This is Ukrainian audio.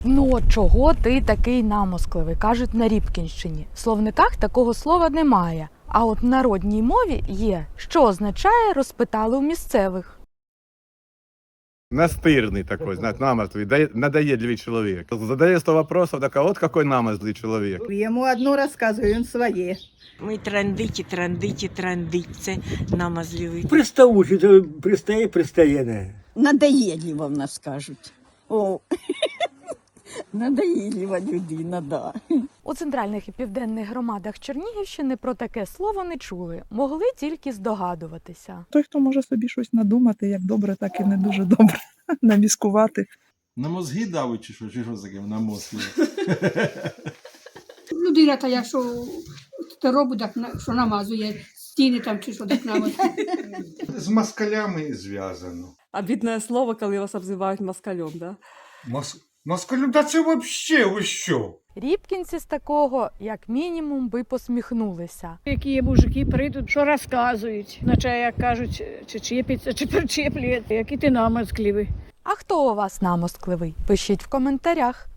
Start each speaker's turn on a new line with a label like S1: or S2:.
S1: Ну от чого ти такий намоскливий, кажуть на Рібкінщині. В словниках такого слова немає, а от в народній мові є, що означає «розпитали у місцевих».
S2: Настырный такой, знаешь, намертвый, надоедливый человек. Задає 100 вопросов, так а вот какой намазлый человек.
S3: Йому одно розказую, він своє.
S4: Ми трандиті, це намазливий.
S5: Приставучий, то пристає не.
S3: Надоєдлива в нас кажуть. О, надоєдлива людина, да.
S1: У центральних і південних громадах Чернігівщини про таке слово не чули, могли тільки здогадуватися.
S6: Той, хто може собі щось надумати, як добре, так і не дуже добре, наміскувати.
S7: На мозги давить чи що таке на мозги?
S8: Людина та якщо робить, так що намазує стіни там чи що так намазує.
S9: З москалями зв'язано.
S10: Обидное слово, коли вас обзивають москалем, да?
S9: Москалю, да це вообще ви що?
S1: Рібкінці з такого, як мінімум, би посміхнулися.
S8: Які мужики прийдуть, що розказують, наче як кажуть, чи чіпиться, чи причеплює, який ти намазкливий.
S1: А хто у вас намоскливий? Пишіть в коментарях.